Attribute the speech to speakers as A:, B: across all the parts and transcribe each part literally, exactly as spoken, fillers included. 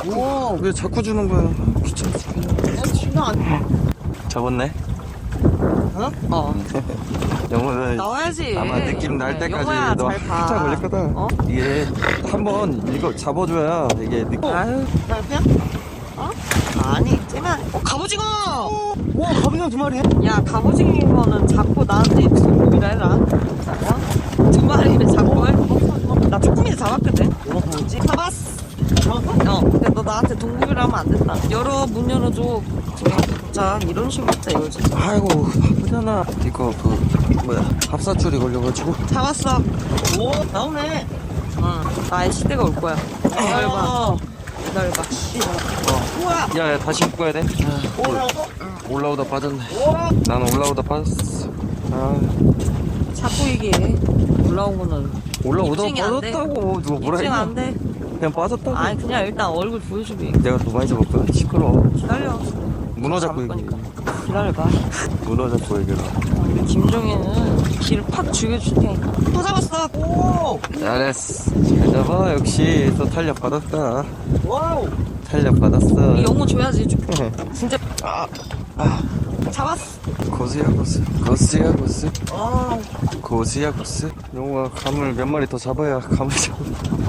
A: 오, 왜 자꾸 주는 거야? 귀찮아 죽겠네.
B: 진짜 안.
A: 잡았네.
B: 어? 어.
A: 영어는
B: 나와야지.
A: 아마 느낌 날 때까지
B: 영어야,
A: 너
B: 잘 봐.
A: 한참 걸릴 거다.
B: 어?
A: 이게 한번 이거 잡아줘야 이게 느낌.
B: 아유, 그냥? 어? 아니, 쟤만. 어, 갑오징어!
C: 와, 갑오징어 두 마리.
B: 야, 갑오징어는 자꾸 나한테 입소문이라 해라. 어? 두 마리를 자꾸 해. 나 조금이나 잡았거든.
C: 뭐지?
B: 잡았어. 어, 근데 너 나한테 동국이라 하면 안 된다. 열어, 문 열어줘. 자, 이런 식으로 했다, 이거지.
A: 아이고 바쁘잖아. 이거 그 뭐야 합사줄이 걸려가지고.
B: 잡았어.
C: 오, 나오네.
B: 응, 나의 시대가 올 거야. 기다려봐. 기다려봐.
C: 우와.
A: 야야 다시 묶어야 돼.
C: 오, 나왔어?
A: 올라오다 빠졌네.
C: 우와.
A: 나는 올라오다 빠졌어. 아
B: 자꾸 이게 올라온 거는
A: 올라오다
B: 입증이 안 돼.
A: 빠졌다고 누가 뭐라
B: 입증
A: 했냐?
B: 안 돼.
A: 그냥 빠졌다고.
B: 아니, 그냥 일단 얼굴 보여주기.
A: 내가 또 많이 잡았거든. 시끄러워.
B: 기다려.
A: 문어 잡고
B: 잡을
A: 얘기해.
B: 거니까. 기다려봐.
A: 문어 잡고 얘기해.
B: 우리 김종희는 길을 팍 죽여줄 테니까. 또 잡았어.
C: 오,
A: 잘했어. 잘 잡아. 역시 또 탄력 받았다.
C: 와우.
A: 탄력 받았어.
B: 이 영어 줘야지. 좀. 진짜
A: 아, 아.
B: 잡았어.
A: 고수야 고수. 고수야 고수.
C: 아,
A: 고수야 고수. 영호가 감을 몇 마리 더 잡아야 감을 잡아.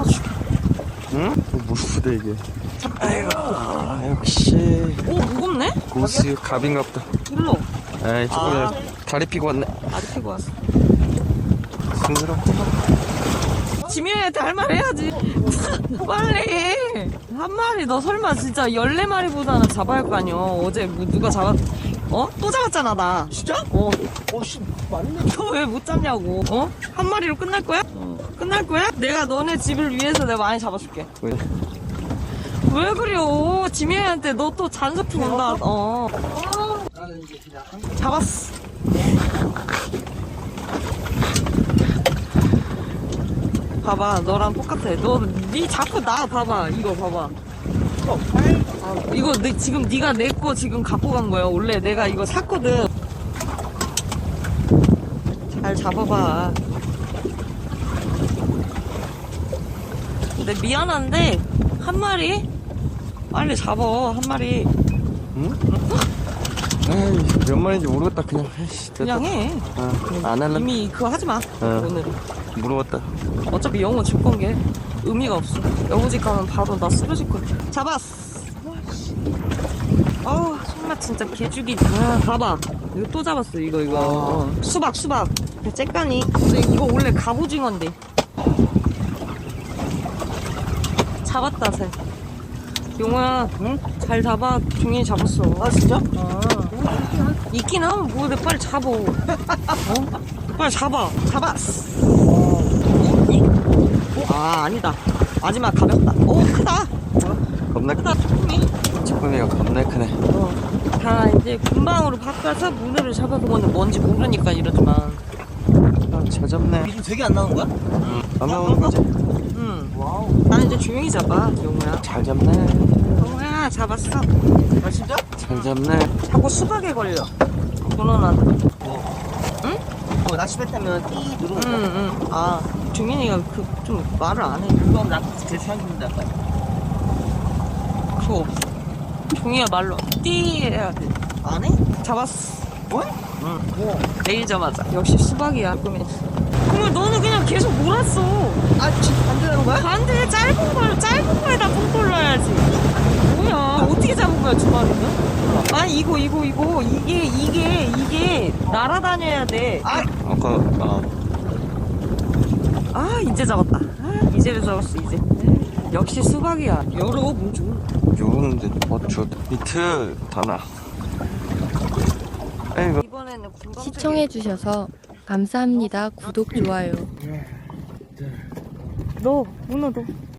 A: 응? 무르부대 이게. 아이고 아, 역시
B: 오, 무겁네?
A: 고수 갑인갑다.
B: 일로.
A: 에이 조금
B: 아.
A: 다리 피고 왔네.
B: 아직 피고 왔어.
A: 징그럽고.
B: 지민이한테 할 말 해야지. 빨리. 한 마리 너 설마 진짜 열네 마리보다는 잡아야 할 거 아니야. 어제 뭐 누가 잡았, 어? 또 잡았잖아, 나.
C: 진짜?
B: 어.
C: 오, 씨, 맞네.
B: 너 왜 못 잡냐고. 어? 한 마리로 끝날 거야? 어. 끝날 거야? 내가 너네 집을 위해서 내가 많이 잡아줄게.
A: 왜?
B: 왜 그래요? 지민이한테 너 또 잔소품 온다. 어.
C: 나는 이제 그냥.
B: 잡았어. 봐봐, 너랑 똑같아. 너, 니 자꾸 나 봐봐. 이거 봐봐. 아, 이거 내, 지금 네가 내 거 지금 갖고 간 거야. 원래 내가 이거 샀거든. 잘 잡아봐. 근데 미안한데 한 마리 빨리 잡아. 한 마리
A: 응? 에이 몇 마리인지 모르겠다. 그냥 에이씨, 됐다.
B: 그냥 해.
A: 어, 안 할래.
B: 이미 그거 하지 마.
A: 어.
B: 오늘
A: 물어봤다.
B: 어차피 영어 줄 건 게 의미가 없어. 영어집 가면 바로 나 쓰러질 거야. 잡았어. 어우, 손맛 진짜 개죽이. 아, 봐봐. 이거 또 잡았어. 이거 이거. 어. 수박 수박. 째까니. 근데 이거 원래 갑오징어인데. 잡았다, 새. 용호야, 응? 잘 잡아. 종이 잡았어.
C: 아, 진짜?
B: 어. 있긴 하면 뭐해. 빨리 잡어. 어? 빨리 잡아. 잡았어. 아, 아니다. 마지막 가볍다. 오, 크다.
A: 겁나
B: 크다, 조금이.
A: 쭈꾸미가 겁나 크네.
B: 어. 다 이제 금방으로 바꿔서 문어를 잡아서 뭐는 뭔지 모르니까 이러지만.
A: 아, 잘 잡네.
C: 요즘 되게 안 나오는 거야?
A: 안 나오는 거지?
B: 응.
C: 와우.
B: 나는 이제 조용히 잡아, 용우야.
A: 잘 잡네.
B: 용우야, 잡았어.
C: 아, 진짜?
A: 잘 잡네.
B: 자꾸 수박에 걸려. 문어는.
C: 어, 낚시했다면 띠 누르는
B: 응,
C: 거.
B: 응. 아, 종현이가 그, 좀 말을 안 해.
C: 그건 나 제 생각입니다.
B: 그거 없어. 종이야 말로 띠 해야 돼.
C: 안 해?
B: 잡았어.
C: 뭐?
B: 응.
C: 뭐?
B: 내리자마자. 역시 수박이야. 그러면 그러면 너는 그냥 계속 몰았어.
C: 아, 지금 반대하는 거야?
B: 반대 짧은 걸 짧은 거에다 뽕돌 넣어야지. 뭐야? 어떻게 잡은 거야 두 마리는? 아니 이거 이거 이거 이게 이게 이게 날아다녀야 돼.
C: 아,
A: 아까 아
B: 아 이제 잡았다. 아, 이제를 잡았어 이제. 역시 수박이야. 여러 문 좀.
A: 요런데 어쩌 이틀 다나. 에이
B: 이번에는 군밤
D: 시청해주셔서 감사합니다. 구독, 좋아요.
B: 너 문어 너.